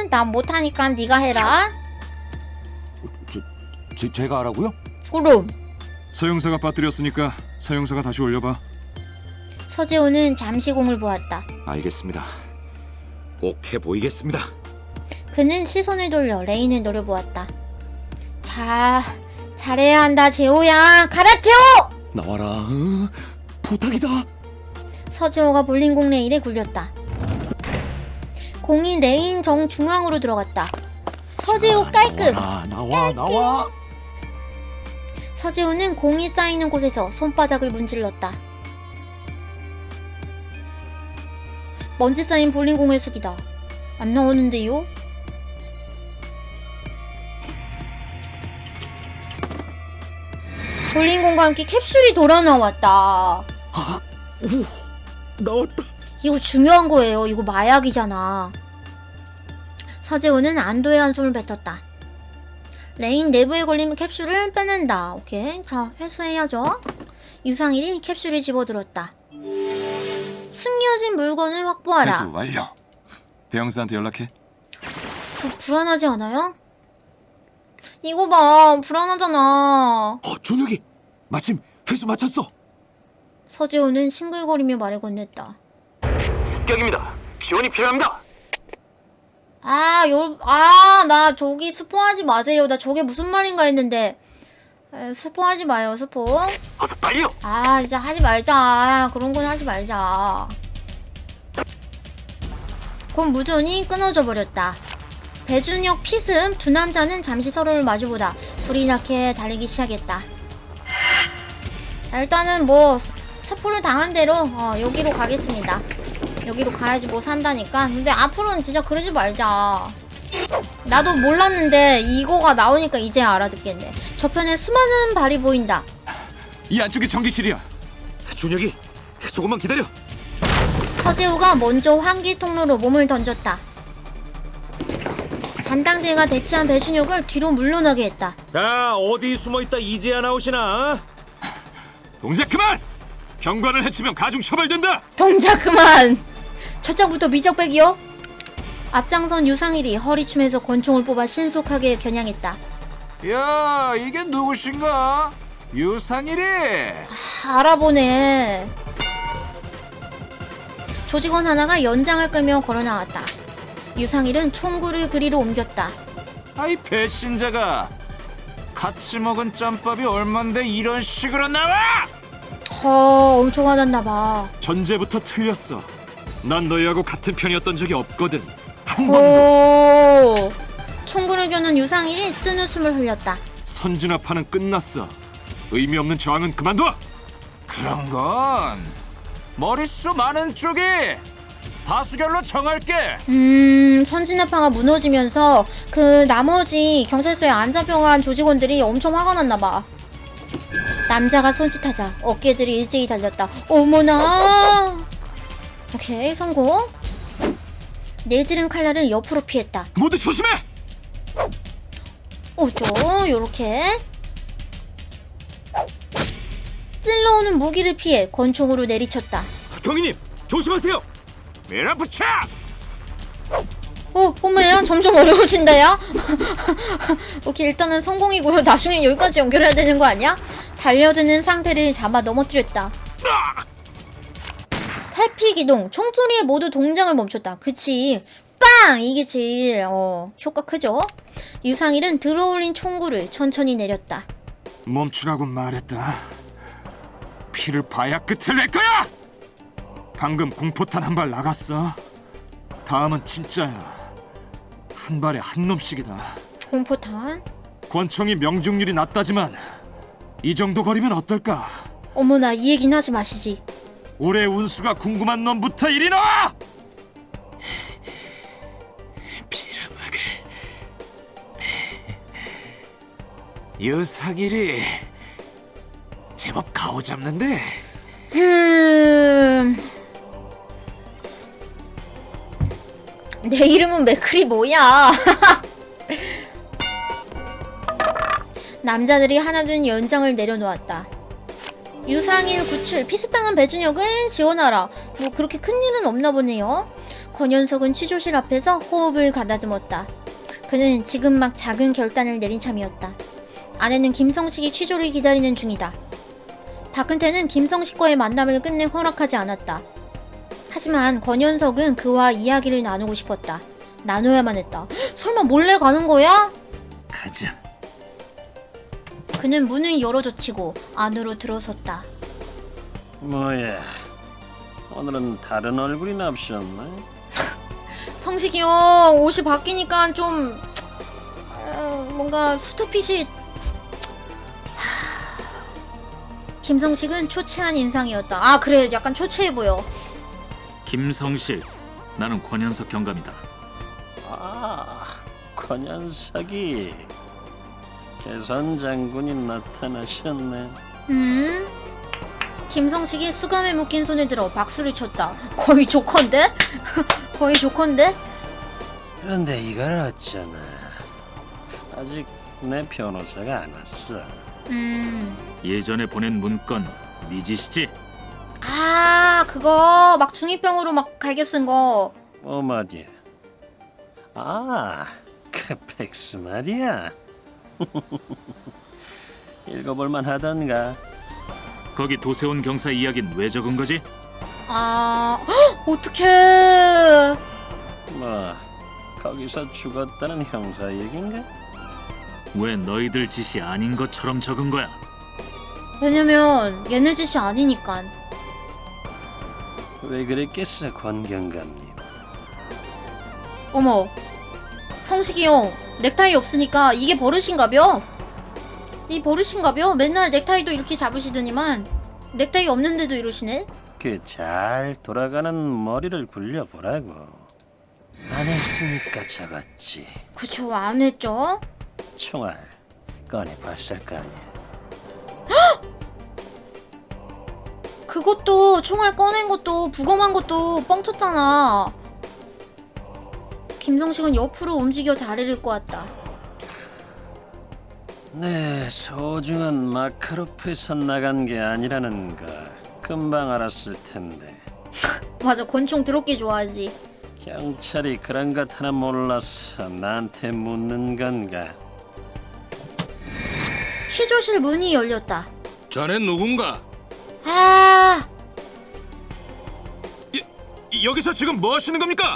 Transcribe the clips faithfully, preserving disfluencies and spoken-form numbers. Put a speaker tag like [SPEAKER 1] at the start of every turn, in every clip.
[SPEAKER 1] 나 못하니까 네가 해라.
[SPEAKER 2] 저, 제, 제가 하라고요?
[SPEAKER 1] 그럼.
[SPEAKER 3] 서영사가 빠뜨렸으니까 서영사가 다시 올려봐.
[SPEAKER 1] 서재호는 잠시 공을 보았다.
[SPEAKER 2] 알겠습니다. 꼭 해보이겠습니다.
[SPEAKER 1] 그는 시선을 돌려 레인을 노려보았다. 자, 잘해야 한다 재호야. 가라 재호!
[SPEAKER 2] 나와라. 어? 부탁이다.
[SPEAKER 1] 서재호가 볼링공 레일에 굴렸다. 공이 레인 정중앙으로 들어갔다. 서재호 깔끔!
[SPEAKER 2] 나와라, 나와 나와.
[SPEAKER 1] 서재호는 공이 쌓이는 곳에서 손바닥을 문질렀다. 먼지 쌓인 볼링공의 숙이다. 안 나오는데요? 볼링공과 함께 캡슐이 돌아 나왔다.
[SPEAKER 2] 아, 오, 나왔다.
[SPEAKER 1] 이거 중요한 거예요. 이거 마약이잖아. 서재호는 안도의 한숨을 뱉었다. 레인 내부에 걸린 캡슐을 빼낸다. 오케이. 자, 회수해야죠. 유상일이 캡슐을 집어들었다. 숨겨진 물건을 확보하라.
[SPEAKER 3] 회수 완료. 배영사한테 연락해.
[SPEAKER 1] 부, 불안하지 않아요? 이거 봐. 불안하잖아.
[SPEAKER 2] 어, 준혁이 마침 회수 마쳤어.
[SPEAKER 1] 서재호는 싱글거리며 말을 건넸다.
[SPEAKER 4] 습격입니다. 지원이 필요합니다.
[SPEAKER 1] 아, 요, 아, 나 저기 스포하지 마세요. 나 저게 무슨 말인가 했는데. 에, 스포하지 마요, 스포.
[SPEAKER 4] 어서 빨리요.
[SPEAKER 1] 아, 이제 하지 말자. 그런 건 하지 말자. 곧 무전이 끊어져 버렸다. 배준혁, 피슴 두 남자는 잠시 서로를 마주보다 불이 나게 달리기 시작했다. 자, 일단은 뭐 스포를 당한 대로 어, 여기로 가겠습니다. 여기로 가야지 뭐 산다니까. 근데 앞으로는 진짜 그러지 말자. 나도 몰랐는데 이거가 나오니까 이제 알아듣겠네. 저편에 수많은 발이 보인다.
[SPEAKER 3] 이 안쪽이 전기실이야.
[SPEAKER 2] 준혁이 조금만 기다려.
[SPEAKER 1] 서재우가 먼저 환기 통로로 몸을 던졌다. 잔당대가 대치한 배준혁을 뒤로 물러나게 했다.
[SPEAKER 2] 야, 어디 숨어있다 이제야 나오시나?
[SPEAKER 3] 동작 그만! 경관을 해치면 가중 처벌된다!
[SPEAKER 1] 동작 그만! 첫장부터 미적백이요? 앞장선 유상일이 허리춤에서 권총을 뽑아 신속하게 겨냥했다.
[SPEAKER 5] 야, 이게 누구신가? 유상일이.
[SPEAKER 1] 아, 알아보네. 조직원 하나가 연장을 끌며 걸어나왔다. 유상일은 총구를 그리로 옮겼다.
[SPEAKER 5] 아이 배신자가 같이 먹은 짬밥이 얼만데 이런 식으로 나와?
[SPEAKER 1] 허, 엄청 화났나봐.
[SPEAKER 3] 전제부터 틀렸어. 난 너희하고 같은 편이었던 적이 없거든. 한 번도.
[SPEAKER 1] 오, 총구를 겨눈 유상일이 쓴웃음을 흘렸다.
[SPEAKER 3] 선진화파는 끝났어. 의미 없는 저항은 그만둬.
[SPEAKER 5] 그런 건 머릿수 많은 쪽이 다수결로 정할게.
[SPEAKER 1] 음, 선진화파가 무너지면서 그 나머지 경찰서에 안 잡혀간 조직원들이 엄청 화가 났나봐. 남자가 손짓하자 어깨들이 일제히 달렸다. 어머나. 오케이, 성공. 내지른 칼날을 옆으로 피했다.
[SPEAKER 3] 모두 조심해.
[SPEAKER 1] 오죠, 요렇게 찔러오는 무기를 피해 권총으로 내리쳤다.
[SPEAKER 2] 경위님 조심하세요.
[SPEAKER 5] 밀어붙여.
[SPEAKER 1] 어, 엄마야, 점점 어려워진다, 야. 오케이, 일단은 성공이고요. 나중에 여기까지 연결해야 되는 거 아니야? 달려드는 상태를 잡아 넘어뜨렸다. 회피 기동, 총소리에 모두 동작을 멈췄다. 그치, 빵! 이게 제일 어 효과 크죠? 유상일은 들어올린 총구를 천천히 내렸다.
[SPEAKER 3] 멈추라고 말했다. 피를 봐야 끝을 낼 거야. 방금 공포탄 한 발 나갔어. 다음은 진짜야. 한 발에 한 놈씩이다.
[SPEAKER 1] 공포탄?
[SPEAKER 3] 권총이 명중률이 낮다지만 이 정도 거리면 어떨까?
[SPEAKER 1] 어머나, 이 얘기는 하지 마시지.
[SPEAKER 3] 올해 운수가 궁금한 놈부터 이리 나와!
[SPEAKER 5] 빌어먹을 유상일이 제법 가오잡는데.
[SPEAKER 1] 음... 내 이름은 맥클이 뭐야? 남자들이 하나둘 연장을 내려놓았다. 유상일 구출, 피습당한 배준혁을 지원하라. 뭐 그렇게 큰일은 없나 보네요. 권현석은 취조실 앞에서 호흡을 가다듬었다. 그는 지금 막 작은 결단을 내린 참이었다. 아내는 김성식이 취조를 기다리는 중이다. 박근태는 김성식과의 만남을 끝내 허락하지 않았다. 하지만 권현석은 그와 이야기를 나누고 싶었다. 나눠야만 했다. 설마 몰래 가는 거야?
[SPEAKER 3] 가자.
[SPEAKER 1] 그는 문을 열어젖히고 안으로 들어섰다.
[SPEAKER 6] 뭐야, 오늘은 다른 얼굴이 납셨네.
[SPEAKER 1] 성식이 형 옷이 바뀌니까 좀 어, 뭔가 수트핏이 하... 김성식은 초췌한 인상이었다. 아 그래 약간 초췌해 보여.
[SPEAKER 3] 김성식, 나는 권현석 경감이다.
[SPEAKER 6] 아, 권현석이 개선 장군이 나타나셨네.
[SPEAKER 1] 음? 김성식이 수감에 묶인 손을 들어 박수를 쳤다. 거의 조컨데? 거의 조컨데?
[SPEAKER 6] 그런데 이걸 어쩌나. 아직 내 변호사가 안 왔어.
[SPEAKER 1] 음...
[SPEAKER 3] 예전에 보낸 문건 네 짓이지?
[SPEAKER 1] 아 그거 막 중이병으로 막 갈겨 쓴 거.
[SPEAKER 6] 뭐 말이야? 아, 그 팩스 말이야. 읽어볼만 하던가.
[SPEAKER 3] 거기 도세훈 경사 이야기는 왜 적은 거지?
[SPEAKER 1] 아... 헉, 어떡해.
[SPEAKER 6] 뭐 거기서 죽었다는 형사 얘긴가?
[SPEAKER 3] 왜 너희들 짓이 아닌 것처럼 적은 거야?
[SPEAKER 1] 왜냐면 얘네 짓이 아니니까.
[SPEAKER 6] 왜 그랬겠어, 권 경감님.
[SPEAKER 1] 어머 성식이 형 넥타이 없으니까 이게 버릇인가벼? 이 버릇인가벼? 맨날 넥타이도 이렇게 잡으시더니만 넥타이 없는데도 이러시네?
[SPEAKER 6] 그 잘 돌아가는 머리를 굴려보라고. 안 했으니까 적었지.
[SPEAKER 1] 그쵸 안 했죠?
[SPEAKER 6] 총알 꺼내봤을 거 아니야.
[SPEAKER 1] 그것도 총알 꺼낸 것도 부검한 것도 뻥쳤잖아. 김성식은 옆으로 움직여 다리를 꼬았다.
[SPEAKER 6] 네, 소중한 마카로프에서 나간 게 아니라는 거 금방 알았을 텐데.
[SPEAKER 1] 맞아 권총 드럽게 좋아하지.
[SPEAKER 6] 경찰이 그런 것 하나 몰라서 나한테 묻는 건가?
[SPEAKER 1] 취조실 문이 열렸다.
[SPEAKER 2] 자넨 누군가?
[SPEAKER 1] 아
[SPEAKER 2] 여기서 지금 뭐 하시는 겁니까?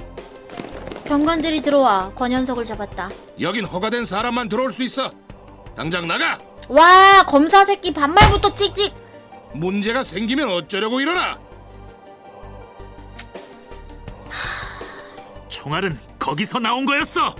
[SPEAKER 1] 경관들이 들어와 권현석을 잡았다.
[SPEAKER 2] 여긴 허가된 사람만 들어올 수 있어. 당장 나가.
[SPEAKER 1] 와 검사 새끼 반말부터 찍찍.
[SPEAKER 2] 문제가 생기면 어쩌려고 이러나?
[SPEAKER 3] 총알은 거기서 나온 거였어.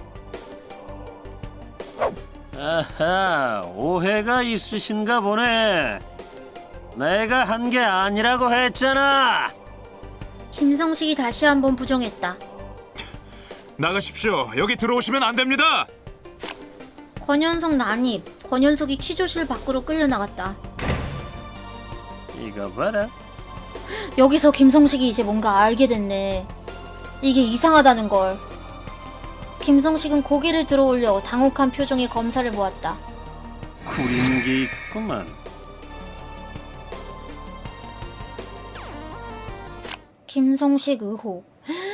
[SPEAKER 6] 아하, 오해가 있으신가 보네. 내가 한 게 아니라고 했잖아.
[SPEAKER 1] 김성식이 다시 한번 부정했다.
[SPEAKER 2] 나가십시오. 여기 들어오시면 안 됩니다.
[SPEAKER 1] 권현석 난입. 권현석이 취조실 밖으로 끌려나갔다.
[SPEAKER 6] 이거 봐라.
[SPEAKER 1] 여기서 김성식이 이제 뭔가 알게 됐네. 이게 이상하다는 걸. 김성식은 고개를 들어올려 당혹한 표정의 검사를 보았다.
[SPEAKER 6] 구린 게 있구만.
[SPEAKER 1] 김성식 의혹.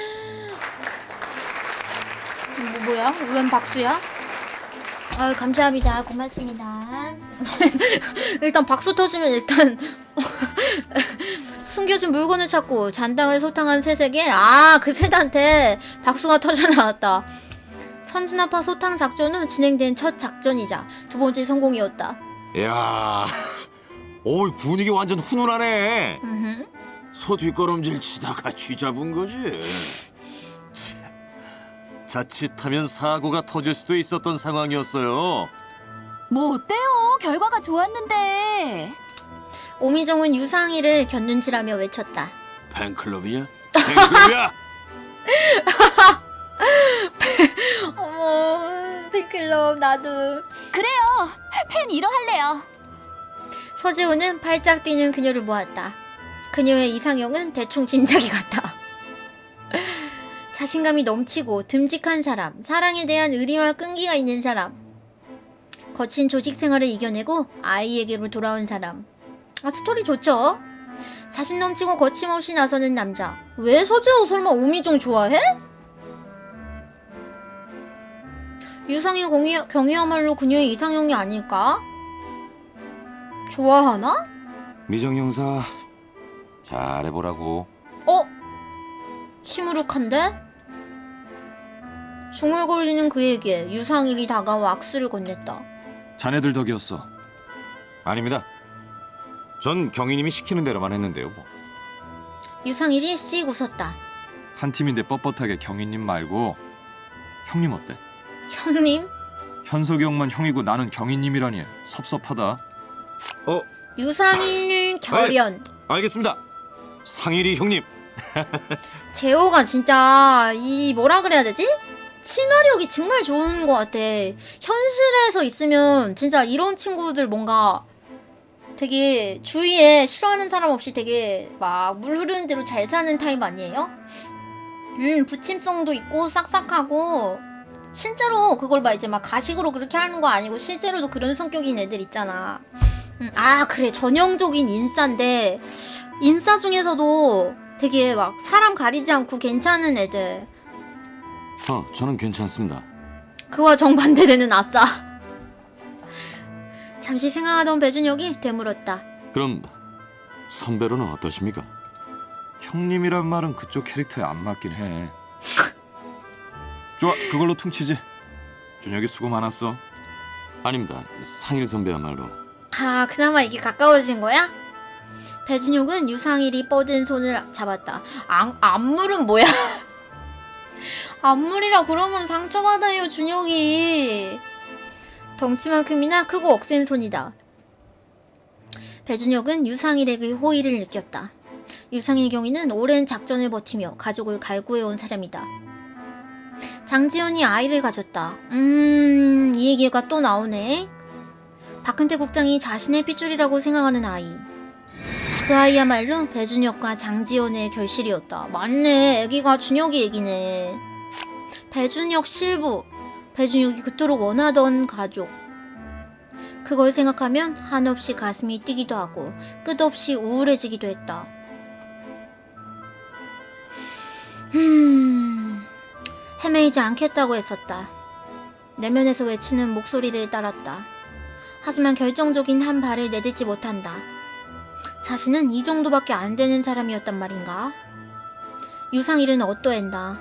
[SPEAKER 1] 뭐, 뭐야? 웬 박수야? 아유 감사합니다. 고맙습니다. 일단 박수 터지면 일단 숨겨진 물건을 찾고 잔당을 소탕한 새색에 아 그 새한테 박수가 터져 나왔다. 선진아파 소탕 작전은 진행된 첫 작전이자 두 번째 성공이었다.
[SPEAKER 2] 야, 오 분위기 완전 훈훈하네.
[SPEAKER 1] 음흠.
[SPEAKER 2] 소 뒷걸음질 치다가 쥐 잡은 거지. 자칫하면 사고가 터질 수도 있었던 상황이었어요.
[SPEAKER 7] 뭐 어때요? 결과가 좋았는데.
[SPEAKER 1] 오미정은 유상희를 곁눈질하며 외쳤다.
[SPEAKER 2] 팬클럽이야? 팬클럽이야?
[SPEAKER 1] 어머 팬클럽 나도.
[SPEAKER 7] 그래요. 팬 일호 할래요.
[SPEAKER 1] 서재호는 발짝 뛰는 그녀를 보았다. 그녀의 이상형은 대충 짐작이 같다. 자신감이 넘치고 듬직한 사람, 사랑에 대한 의리와 끈기가 있는 사람, 거친 조직 생활을 이겨내고 아이에게로 돌아온 사람. 아, 스토리 좋죠? 자신 넘치고 거침없이 나서는 남자. 왜 서재호 설마 오미정 좋아해? 유상의 경이, 경이야말로 그녀의 이상형이 아닐까? 좋아하나?
[SPEAKER 8] 미정 형사 잘해보라고.
[SPEAKER 1] 어? 시무룩한데? 중얼거리는 그에게 유상일이 다가와 악수를 건넸다.
[SPEAKER 3] 자네들 덕이었어.
[SPEAKER 8] 아닙니다. 전 경위님이 시키는 대로만 했는데요. 뭐.
[SPEAKER 1] 유상일이 씩 웃었다.
[SPEAKER 3] 한 팀인데 뻣뻣하게 경희님 말고 형님 어때?
[SPEAKER 1] 형님?
[SPEAKER 3] 현석이 형만 형이고 나는 경희님이라니 섭섭하다.
[SPEAKER 8] 어,
[SPEAKER 1] 유상일 결연.
[SPEAKER 8] 알겠습니다. 상일이 형님.
[SPEAKER 1] 재호가 진짜 이 뭐라 그래야 되지? 친화력이 정말 좋은 것 같아. 현실에서 있으면 진짜 이런 친구들 뭔가 되게 주위에 싫어하는 사람 없이 되게 막 물 흐르는 대로 잘 사는 타입 아니에요? 음, 부침성도 있고 싹싹하고 실제로 그걸 막 이제 막 가식으로 그렇게 하는 거 아니고 실제로도 그런 성격인 애들 있잖아. 음, 아 그래 전형적인 인싸인데 인싸 중에서도 되게 막 사람 가리지 않고 괜찮은 애들.
[SPEAKER 8] 어, 저는 괜찮습니다.
[SPEAKER 1] 그와 정반대되는 아싸. 잠시 생각하던 배준혁이 되물었다.
[SPEAKER 8] 그럼 선배로는 어떠십니까?
[SPEAKER 3] 형님이란 말은 그쪽 캐릭터에 안 맞긴 해. 좋아, 그걸로 퉁치지. 준혁이 수고 많았어.
[SPEAKER 8] 아닙니다. 상일 선배야말로.
[SPEAKER 1] 아 그나마 이게 가까워진 거야? 배준혁은 유상일이 뻗은 손을 잡았다. 안, 안물은 뭐야? 안물이라 그러면 상처받아요 준혁이. 덩치만큼이나 크고 억센 손이다. 배준혁은 유상일에게 호의를 느꼈다. 유상일 경위는 오랜 작전을 버티며 가족을 갈구해온 사람이다. 장지연이 아이를 가졌다. 음... 이 얘기가 또 나오네. 박근태 국장이 자신의 핏줄이라고 생각하는 아이. 그 아이야말로 배준혁과 장지연의 결실이었다. 맞네. 애기가 준혁이 애기네. 배준혁 실부. 배준혁이 그토록 원하던 가족. 그걸 생각하면 한없이 가슴이 뛰기도 하고 끝없이 우울해지기도 했다. 음... 헤매이지 않겠다고 했었다. 내면에서 외치는 목소리를 따랐다. 하지만 결정적인 한 발을 내딛지 못한다. 자신은 이 정도밖에 안 되는 사람이었단 말인가? 유상일은 어떠했나?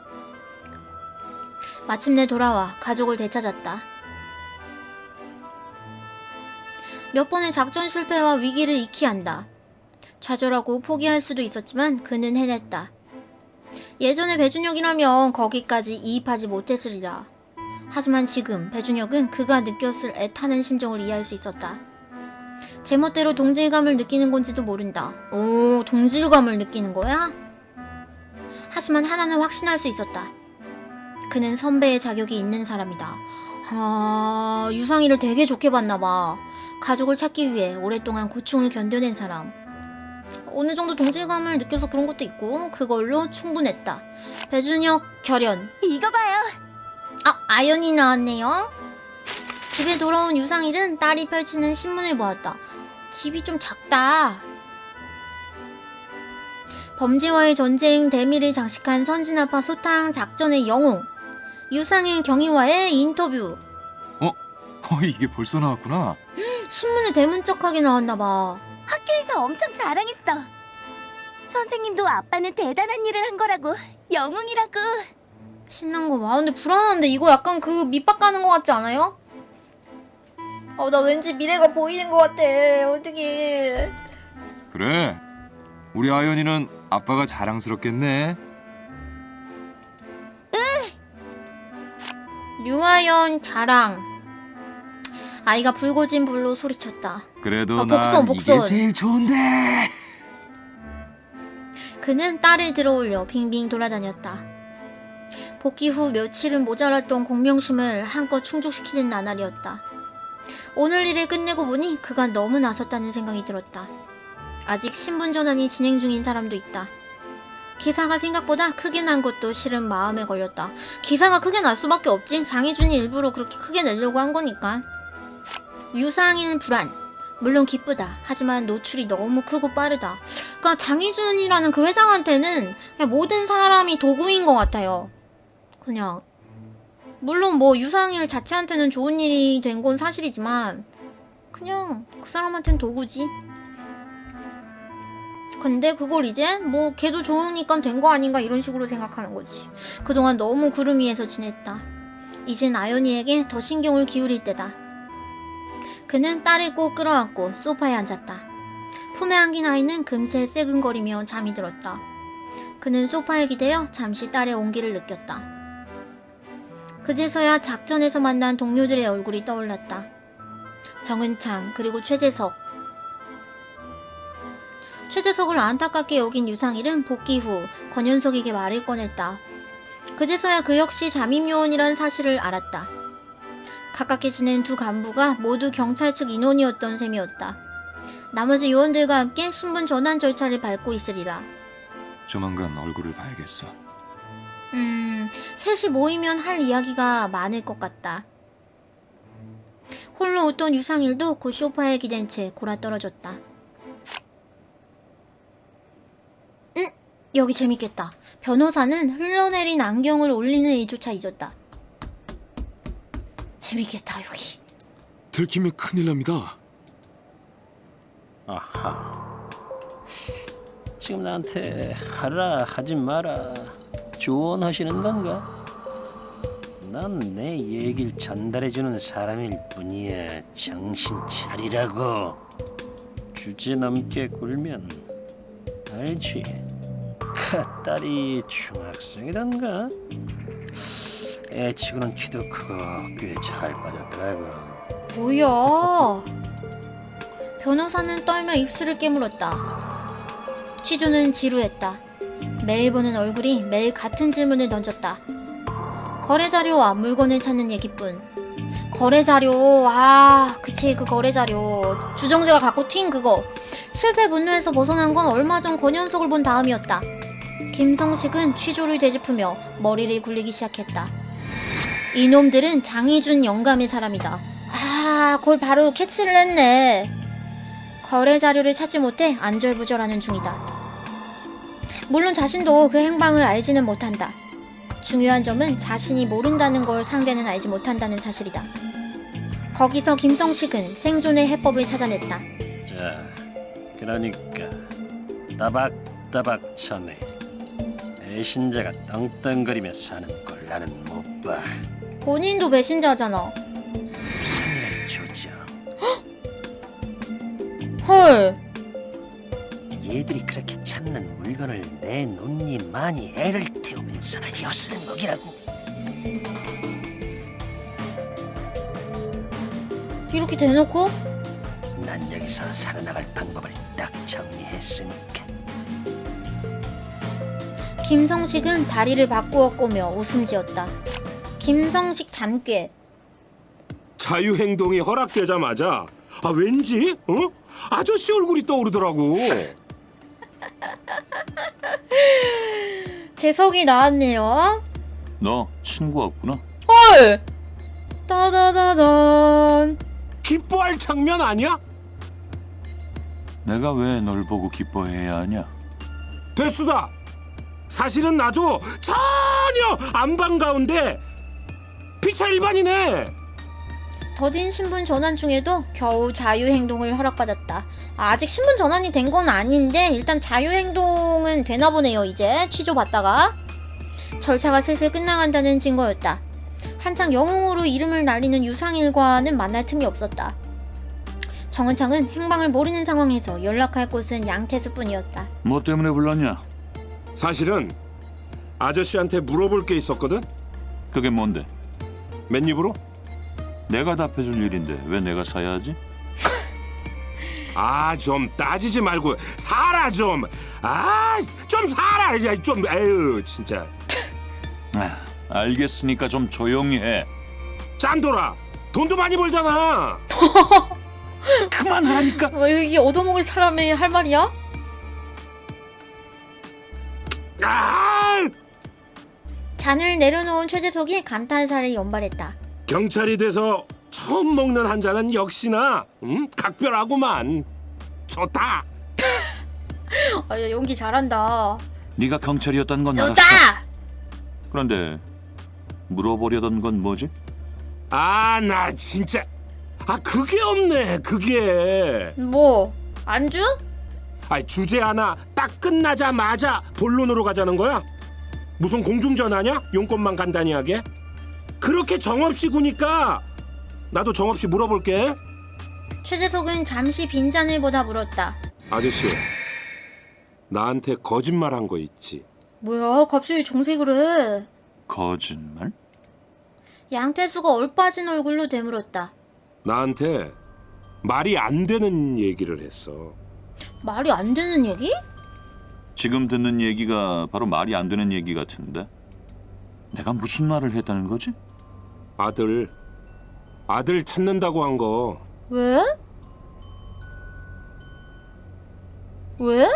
[SPEAKER 1] 마침내 돌아와 가족을 되찾았다. 몇 번의 작전 실패와 위기를 익히 한다. 좌절하고 포기할 수도 있었지만 그는 해냈다. 예전에 배준혁이라면 거기까지 이입하지 못했으리라. 하지만 지금 배준혁은 그가 느꼈을 애타는 심정을 이해할 수 있었다. 제멋대로 동질감을 느끼는 건지도 모른다. 오, 동질감을 느끼는 거야? 하지만 하나는 확신할 수 있었다. 그는 선배의 자격이 있는 사람이다. 아, 유상일을 되게 좋게 봤나봐. 가족을 찾기 위해 오랫동안 고충을 견뎌낸 사람. 어느 정도 동질감을 느껴서 그런 것도 있고 그걸로 충분했다. 배준혁 결연.
[SPEAKER 7] 이거 봐요.
[SPEAKER 1] 아, 아연이 나왔네요. 집에 돌아온 유상일은 딸이 펼치는 신문을 보았다. 집이 좀 작다. 범죄와의 전쟁 대미를 장식한 선진아파 소탕 작전의 영웅 유상일 경위와의 인터뷰.
[SPEAKER 3] 어? 어, 이게 벌써 나왔구나.
[SPEAKER 1] 신문에 대문짝하게 나왔나봐.
[SPEAKER 7] 학교에서 엄청 자랑했어. 선생님도 아빠는 대단한 일을 한 거라고. 영웅이라고.
[SPEAKER 1] 신난 거 봐. 근데 불안한데 이거 약간 그 밑밥 가는 거 같지 않아요? 어, 나 왠지 미래가 보이는 거 같아. 어떡해.
[SPEAKER 3] 그래. 우리 아연이는 아빠가 자랑스럽겠네.
[SPEAKER 1] 류아연 자랑. 아이가 불고진 불로 소리쳤다.
[SPEAKER 3] 그래도
[SPEAKER 1] 아,
[SPEAKER 3] 난
[SPEAKER 1] 복선, 복선.
[SPEAKER 3] 이게 제일 좋은데.
[SPEAKER 1] 그는 딸을 들어올려 빙빙 돌아다녔다. 복귀 후 며칠은 모자랐던 공명심을 한껏 충족시키는 나날이었다. 오늘 일을 끝내고 보니 그가 너무 나섰다는 생각이 들었다. 아직 신분 전환이 진행 중인 사람도 있다. 기사가 생각보다 크게 난 것도 실은 마음에 걸렸다. 기사가 크게 날 수밖에 없지. 장희준이 일부러 그렇게 크게 내려고 한 거니까. 유상일 불안. 물론 기쁘다. 하지만 노출이 너무 크고 빠르다. 그러니까 장희준이라는 그 회장한테는 그냥 모든 사람이 도구인 것 같아요. 그냥 물론 뭐 유상일 자체한테는 좋은 일이 된 건 사실이지만 그냥 그 사람한테는 도구지. 근데 그걸 이제 뭐 걔도 좋으니까 된 거 아닌가 이런 식으로 생각하는 거지. 그동안 너무 구름 위에서 지냈다. 이젠 아연이에게 더 신경을 기울일 때다. 그는 딸을 꼭 끌어안고 소파에 앉았다. 품에 안긴 아이는 금세 새근거리며 잠이 들었다. 그는 소파에 기대어 잠시 딸의 온기를 느꼈다. 그제서야 작전에서 만난 동료들의 얼굴이 떠올랐다. 정은창 그리고 최재석. 최재석을 안타깝게 여긴 유상일은 복귀 후 권현석에게 말을 꺼냈다. 그제서야 그 역시 잠입요원이란 사실을 알았다. 가깝게 지낸 두 간부가 모두 경찰 측 인원이었던 셈이었다. 나머지 요원들과 함께 신분 전환 절차를 밟고 있으리라.
[SPEAKER 3] 조만간 얼굴을 봐야겠어.
[SPEAKER 1] 음, 셋이 모이면 할 이야기가 많을 것 같다. 홀로 웃던 유상일도 곧 소파에 기댄 채 골아떨어졌다. 응? 여기 재밌겠다. 변호사는 흘러내린 안경을 올리는 일조차 잊었다. 재밌겠다 여기.
[SPEAKER 2] 들키면 큰일 납니다.
[SPEAKER 6] 아하. 지금 나한테 하라 하지 마라 조언하시는 건가? 난 내 얘기를 전달해주는 사람일 뿐이야. 정신 차리라고. 주제 넘게 굴면 알지. 카 딸이 중학생이던가? 애치고는 키도 크고 꽤 잘 빠졌더라고.
[SPEAKER 1] 뭐야? 변호사는 떨며 입술을 깨물었다. 취조는 지루했다. 매일 보는 얼굴이 매일 같은 질문을 던졌다. 거래 자료와 물건을 찾는 얘기뿐. 거래 자료, 아, 그치, 그 거래 자료. 주정재가 갖고 튄 그거. 실패 분노에서 벗어난 건 얼마 전 권현석을 본 다음이었다. 김성식은 취조를 되짚으며 머리를 굴리기 시작했다. 이놈들은 장희준 영감의 사람이다. 아, 그걸 바로 캐치를 했네. 거래 자료를 찾지 못해 안절부절하는 중이다. 물론 자신도 그 행방을 알지는 못한다. 중요한 점은 자신이 모른다는 걸 상대는 알지 못한다는 사실이다. 거기서 김성식은 생존의 해법을 찾아냈다.
[SPEAKER 6] 자, 그러니까 따박따박 전에 배신자가 떵떵거리며 사는 걸 나는 못 봐.
[SPEAKER 1] 본인도 배신자잖아.
[SPEAKER 6] 상의를 조져.
[SPEAKER 1] 헐.
[SPEAKER 6] 얘들이 그렇게 찾는 물건을 내놓니 많이 애를 태우면서 엿을 먹이라고.
[SPEAKER 1] 이렇게 대놓고?
[SPEAKER 6] 난 여기서 살아나갈 방법을 딱 정리했으니까.
[SPEAKER 1] 김성식은 다리를 바꾸어 꼬며 웃음 지었다. 김성식 잔꾀.
[SPEAKER 2] 자유행동이 허락되자마자 아 왠지 어? 아저씨 얼굴이 떠오르더라고.
[SPEAKER 1] 재석이 나왔네요.
[SPEAKER 5] 너 친구 없구나?
[SPEAKER 1] 헐! 따다다단.
[SPEAKER 2] 기뻐할 장면 아니야?
[SPEAKER 5] 내가 왜 널 보고 기뻐해야 하냐?
[SPEAKER 2] 됐수다. 사실은 나도 전혀 안 반가운데 피차 일반이네.
[SPEAKER 1] 더딘 신분 전환 중에도 겨우 자유행동을 허락받았다. 아, 아직 신분 전환이 된 건 아닌데 일단 자유행동은 되나 보네요. 이제 취조 받다가 절차가 슬슬 끝나간다는 증거였다. 한창 영웅으로 이름을 날리는 유상일과는 만날 틈이 없었다. 정은창은 행방을 모르는 상황에서 연락할 곳은 양태수뿐이었다.
[SPEAKER 5] 뭐 때문에 불렀냐?
[SPEAKER 2] 사실은 아저씨한테 물어볼 게 있었거든.
[SPEAKER 5] 그게 뭔데?
[SPEAKER 2] 맨입으로?
[SPEAKER 5] 내가 답해줄 일인데 왜 내가 사야 하지?
[SPEAKER 2] 아, 좀 따지지 말고 살아 좀. 아, 좀 살아. 야, 좀 에휴, 진짜.
[SPEAKER 5] 아, 알겠으니까 좀 조용히 해.
[SPEAKER 2] 짠돌아. 돈도 많이 벌잖아.
[SPEAKER 5] 그만하라니까.
[SPEAKER 1] 왜 이게 얻어먹을 사람이 할 말이야?
[SPEAKER 2] 아!
[SPEAKER 1] 잔을 내려놓은 최재석이 감탄사를 연발했다.
[SPEAKER 2] 경찰이 돼서 처음 먹는 한 잔은 역시나 음? 각별하구만. 좋다.
[SPEAKER 1] 아, 야, 연기 잘한다.
[SPEAKER 5] 네가 경찰이었던 건 알았어.
[SPEAKER 1] 좋다.
[SPEAKER 5] 그런데 물어보려던 건 뭐지?
[SPEAKER 2] 아, 나 진짜. 아, 그게 없네. 그게.
[SPEAKER 1] 뭐 안주?
[SPEAKER 2] 아, 주제 하나 딱 끝나자마자 본론으로 가자는 거야? 무슨 공중전화냐? 용건만 간단히 하게? 그렇게 정없이 구니까 나도 정없이 물어볼게.
[SPEAKER 1] 최재석은 잠시 빈잔을 보다 물었다.
[SPEAKER 2] 아저씨, 나한테 거짓말한 거 있지?
[SPEAKER 1] 뭐야 갑자기 정색을 해.
[SPEAKER 5] 거짓말?
[SPEAKER 1] 양태수가 얼빠진 얼굴로 되물었다.
[SPEAKER 2] 나한테 말이 안 되는 얘기를 했어.
[SPEAKER 1] 말이 안 되는 얘기?
[SPEAKER 5] 지금 듣는 얘기가 바로 말이 안 되는 얘기 같은데. 내가 무슨 말을 했다는 거지?
[SPEAKER 2] 아들, 아들 찾는다고 한 거.
[SPEAKER 1] 왜? 왜?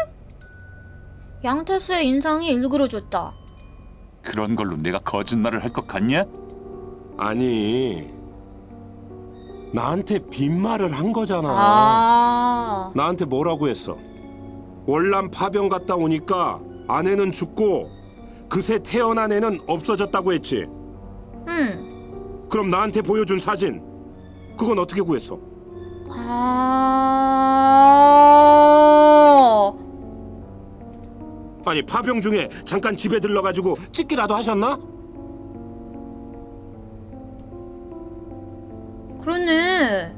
[SPEAKER 1] 양태수의 인상이 일그러졌다.
[SPEAKER 5] 그런 걸로 내가 거짓말을 할 것 같냐?
[SPEAKER 2] 아니, 나한테 빈말을 한 거잖아.
[SPEAKER 1] 아,
[SPEAKER 2] 나한테 뭐라고 했어? 월남 파병 갔다 오니까 아내는 죽고 그새 태어난 애는 없어졌다고 했지.
[SPEAKER 1] 응.
[SPEAKER 2] 그럼 나한테 보여준 사진, 그건 어떻게 구했어?
[SPEAKER 1] 아,
[SPEAKER 2] 아니, 파병 중에 잠깐 집에 들러가지고 찍기라도 하셨나?
[SPEAKER 1] 그러네.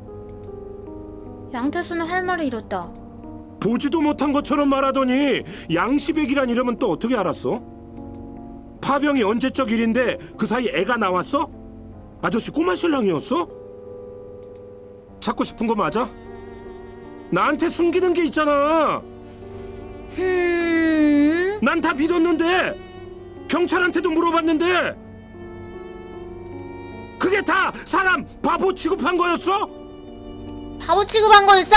[SPEAKER 1] 양태수는 할 말을 잃었다.
[SPEAKER 2] 보지도 못한 것처럼 말하더니 양시백이란 이름은 또 어떻게 알았어? 파병이 언제적 일인데 그 사이 애가 나왔어? 아저씨 꼬마 신랑이었어? 찾고 싶은 거 맞아? 나한테 숨기는 게 있잖아.
[SPEAKER 1] 흠.
[SPEAKER 2] 난 다 믿었는데, 경찰한테도 물어봤는데, 그게 다 사람 바보 취급한 거였어?
[SPEAKER 1] 바보 취급한 거였어?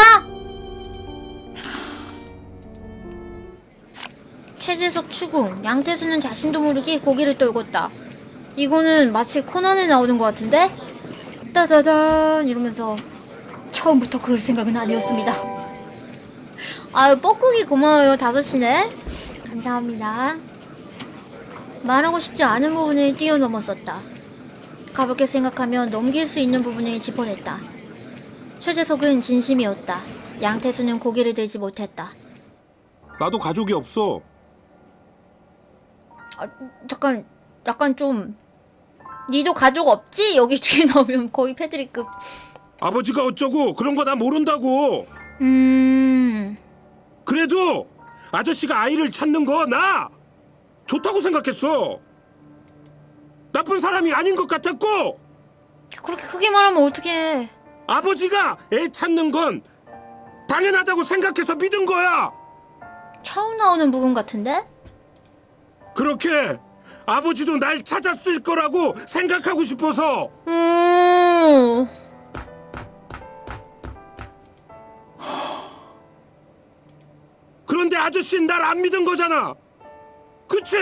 [SPEAKER 1] 최재석 추궁, 양태수는 자신도 모르게 고개를 떨궜다. 이거는 마치 코난에 나오는 것 같은데? 따다단 이러면서 처음부터 그럴 생각은 아니었습니다. 아유 뻐꾸기 고마워요. 다섯 시네. 감사합니다. 말하고 싶지 않은 부분을 뛰어넘었었다. 가볍게 생각하면 넘길 수 있는 부분을 짚어냈다. 최재석은 진심이었다. 양태수는 고개를 들지 못했다.
[SPEAKER 2] 나도 가족이 없어.
[SPEAKER 1] 아, 잠깐, 약간 좀 니도 가족 없지? 여기 뒤에 나오면 거의 패드립급.
[SPEAKER 2] 아버지가 어쩌고 그런 거 나 모른다고.
[SPEAKER 1] 음...
[SPEAKER 2] 그래도 아저씨가 아이를 찾는 거 나 좋다고 생각했어. 나쁜 사람이 아닌 것 같았고,
[SPEAKER 1] 그렇게 크게 말하면 어떡해.
[SPEAKER 2] 아버지가 애 찾는 건 당연하다고 생각해서 믿은 거야.
[SPEAKER 1] 처음 나오는 부분 같은데?
[SPEAKER 2] 그렇게 아버지도 날 찾았을 거라고 생각하고 싶어서.
[SPEAKER 1] 음...
[SPEAKER 2] 그런데 아저씨는 날 안 믿은 거잖아. 그치?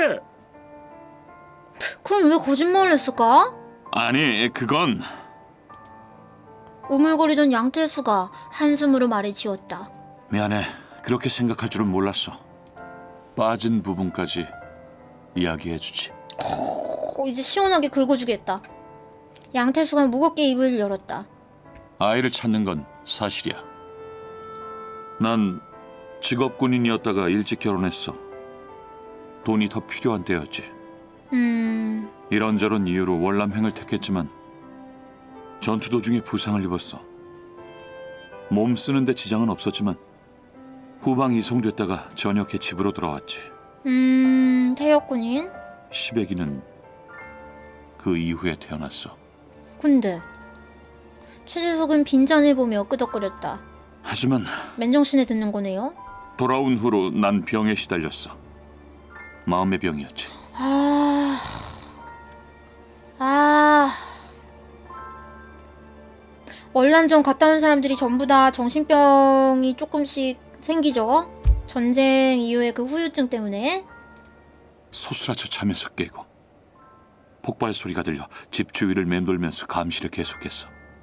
[SPEAKER 1] 그럼 왜 거짓말을 했을까?
[SPEAKER 5] 아니, 그건
[SPEAKER 1] 우물거리던 양태수가 한숨으로 말을 지었다.
[SPEAKER 5] 미안해. 그렇게 생각할 줄은 몰랐어. 빠진 부분까지 이야기해주지.
[SPEAKER 1] 어, 이제 시원하게 긁어주겠다. 양태수가 무겁게 입을 열었다.
[SPEAKER 5] 아이를 찾는 건 사실이야. 난 직업군인이었다가 일찍 결혼했어. 돈이 더 필요한 때였지.
[SPEAKER 1] 음...
[SPEAKER 5] 이런저런 이유로 월남행을 택했지만 전투 도중에 부상을 입었어. 몸 쓰는데 지장은 없었지만 후방 이송됐다가 저녁에 집으로 돌아왔지.
[SPEAKER 1] 음... 태역군인?
[SPEAKER 5] 시백이는 그 이후에 태어났어.
[SPEAKER 1] 근데 최재석은 빈잔을 보며 끄덕거렸다.
[SPEAKER 5] 하지만
[SPEAKER 1] 맨정신에 듣는 거네요.
[SPEAKER 5] 돌아온 후로 난 병에 시달렸어. 마음의 병이었지.
[SPEAKER 1] 아... 아... 월남전 갔다 온 사람들이 전부 다 정신병이 조금씩 생기죠? 전쟁 이후의 그 후유증 때문에.
[SPEAKER 5] 소스라쳐 잠에서 깨고 폭발 소리가 들려 집 주위를 맴돌면서 감시를 계속했어.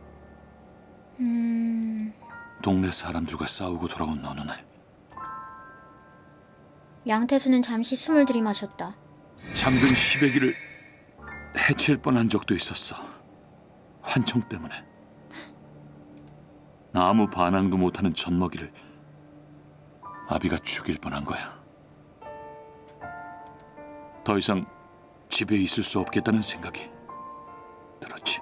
[SPEAKER 1] 음...
[SPEAKER 5] 동네 사람들과 싸우고 돌아온 어느 날
[SPEAKER 1] 양태수는 잠시 숨을 들이마셨다.
[SPEAKER 5] 잠든 시베기를 해칠 뻔한 적도 있었어. 환청 때문에. 아무 반항도 못하는 젖먹이를 아비가 죽일 뻔한 거야. 더 이상 집에 있을 수 없겠다는 생각이 들었지.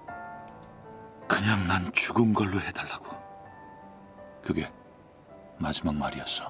[SPEAKER 5] 그냥 난 죽은 걸로 해달라고. 그게 마지막 말이었어.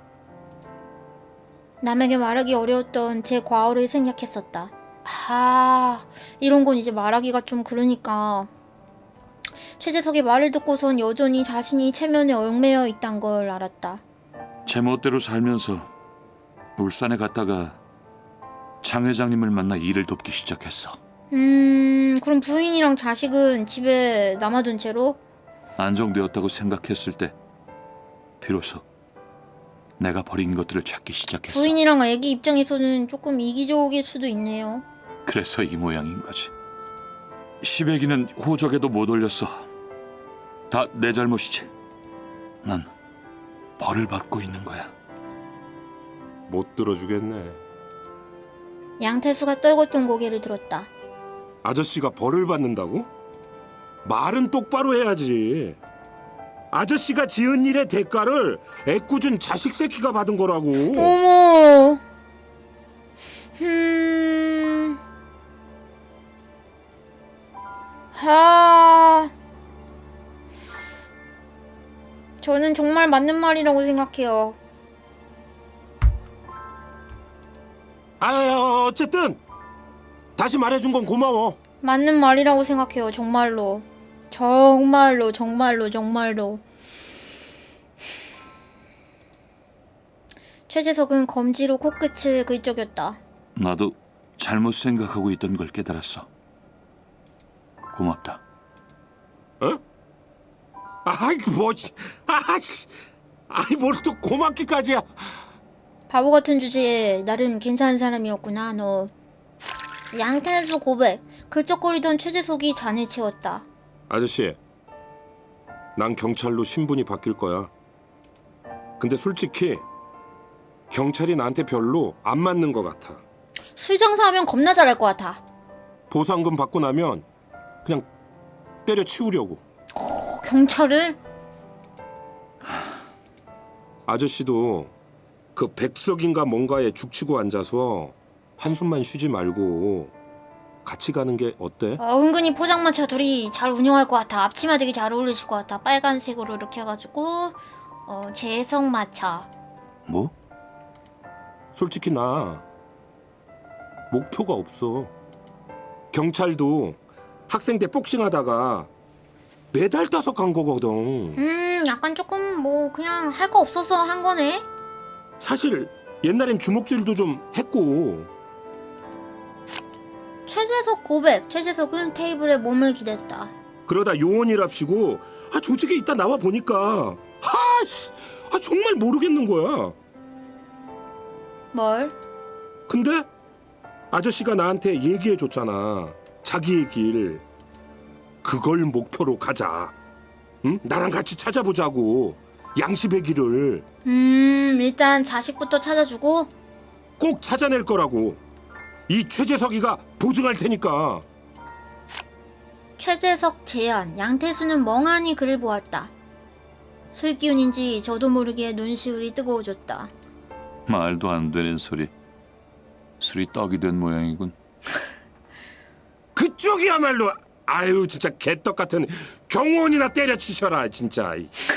[SPEAKER 1] 남에게 말하기 어려웠던 제 과거를 생략했었다. 아, 이런 건 이제 말하기가 좀 그러니까. 최재석의 말을 듣고선 여전히 자신이 체면에 얽매여 있단 걸 알았다.
[SPEAKER 5] 제 멋대로 살면서 울산에 갔다가 장 회장님을 만나 일을 돕기 시작했어.
[SPEAKER 1] 음, 그럼 부인이랑 자식은 집에 남아둔 채로?
[SPEAKER 5] 안정되었다고 생각했을 때 비로소 내가 버린 것들을 찾기 시작했어.
[SPEAKER 1] 부인이랑 아기 입장에서는 조금 이기적일 수도 있네요.
[SPEAKER 5] 그래서 이 모양인 거지. 시베기는 호적에도 못 올렸어. 다 내 잘못이지. 난 벌을 받고 있는 거야.
[SPEAKER 2] 못 들어주겠네.
[SPEAKER 1] 양태수가 떨궜던 고개를 들었다.
[SPEAKER 2] 아저씨가 벌을 받는다고? 말은 똑바로 해야지. 아저씨가 지은 일의 대가를 애꿎은 자식 새끼가 받은 거라고.
[SPEAKER 1] 어머. 음. 하. 저는 정말 맞는 말이라고 생각해요.
[SPEAKER 2] 아, 어쨌든 다시 말해준 건 고마워.
[SPEAKER 1] 맞는 말이라고 생각해요. 정말로. 정말로 정말로 정말로. 최재석은 검지로 코끝을 긁적였다.
[SPEAKER 5] 나도 잘못 생각하고 있던 걸 깨달았어. 고맙다.
[SPEAKER 2] 어? 아이 뭐, 아씨, 아이 뭘 또 고맙기까지야.
[SPEAKER 1] 바보 같은 주제에 나름 괜찮은 사람이었구나 너. 양태수 고백. 글쩍거리던 최재석이 잔을 채웠다.
[SPEAKER 2] 아저씨, 난 경찰로 신분이 바뀔 거야. 근데 솔직히 경찰이 나한테 별로 안 맞는 것 같아.
[SPEAKER 1] 술 장사하면 겁나 잘할 것 같아.
[SPEAKER 2] 보상금 받고 나면 그냥 때려치우려고.
[SPEAKER 1] 어, 경찰을?
[SPEAKER 2] 아저씨도 그 백석인가 뭔가에 죽치고 앉아서 한숨만 쉬지 말고 같이 가는 게 어때?
[SPEAKER 1] 어, 은근히 포장마차 둘이 잘 운영할 것 같아. 앞치마 되게 잘 어울리실 것 같아. 빨간색으로 이렇게 해가지고 어, 재성마차.
[SPEAKER 5] 뭐?
[SPEAKER 2] 솔직히 나 목표가 없어. 경찰도 학생 때 복싱하다가 메달 따서 간 거거든.
[SPEAKER 1] 음 약간 조금 뭐 그냥 할 거 없어서 한 거네.
[SPEAKER 2] 사실 옛날엔 주먹질도 좀 했고.
[SPEAKER 1] 최재석 고백. 최재석은 테이블에 몸을 기댔다.
[SPEAKER 2] 그러다 요원이랍시고 아 조직에 있다 나와 보니까 하씨 아 정말 모르겠는 거야.
[SPEAKER 1] 뭘?
[SPEAKER 2] 근데 아저씨가 나한테 얘기해 줬잖아. 자기의 길. 그걸 목표로 가자. 응? 나랑 같이 찾아보자고. 양심의 길을
[SPEAKER 1] 음 일단 자식부터 찾아주고.
[SPEAKER 2] 꼭 찾아낼 거라고. 이 최재석이가 보증할 테니까.
[SPEAKER 1] 최재석 제안. 양태수는 멍하니 그를 보았다. 술 기운인지 저도 모르게 눈시울이 뜨거워졌다.
[SPEAKER 5] 말도 안 되는 소리. 술이 떡이 된 모양이군.
[SPEAKER 2] 그쪽이야말로 아유 진짜 개떡 같은 경호원이나 때려치셔라 진짜.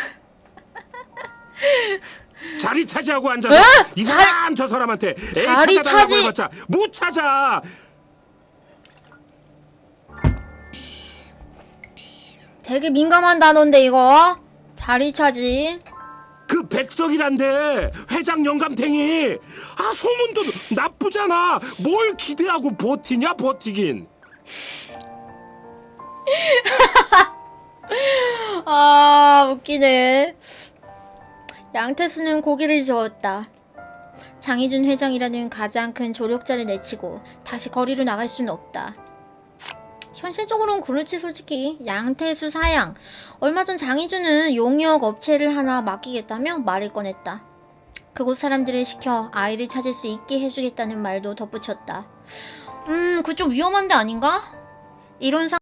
[SPEAKER 2] 자리 차지하고 앉아서
[SPEAKER 1] 에?
[SPEAKER 2] 이 사람 저 사람한테 애
[SPEAKER 1] 자리
[SPEAKER 2] 찾아달라고
[SPEAKER 1] 차지-
[SPEAKER 2] 해봤자 못 찾아.
[SPEAKER 1] 되게 민감한 단어인데 이거. 자리 차지.
[SPEAKER 2] 그 백석이란데 회장 영감탱이. 아 소문도 나쁘잖아. 뭘 기대하고 버티냐 버티긴.
[SPEAKER 1] 아 웃기네. 양태수는 고개를 저었다. 장희준 회장이라는 가장 큰 조력자를 내치고 다시 거리로 나갈 수는 없다. 현실적으로는 그렇지 솔직히. 양태수 사양. 얼마 전 장희준은 용역 업체를 하나 맡기겠다며 말을 꺼냈다. 그곳 사람들을 시켜 아이를 찾을 수 있게 해주겠다는 말도 덧붙였다. 음, 그쪽 위험한 데 아닌가? 이런 상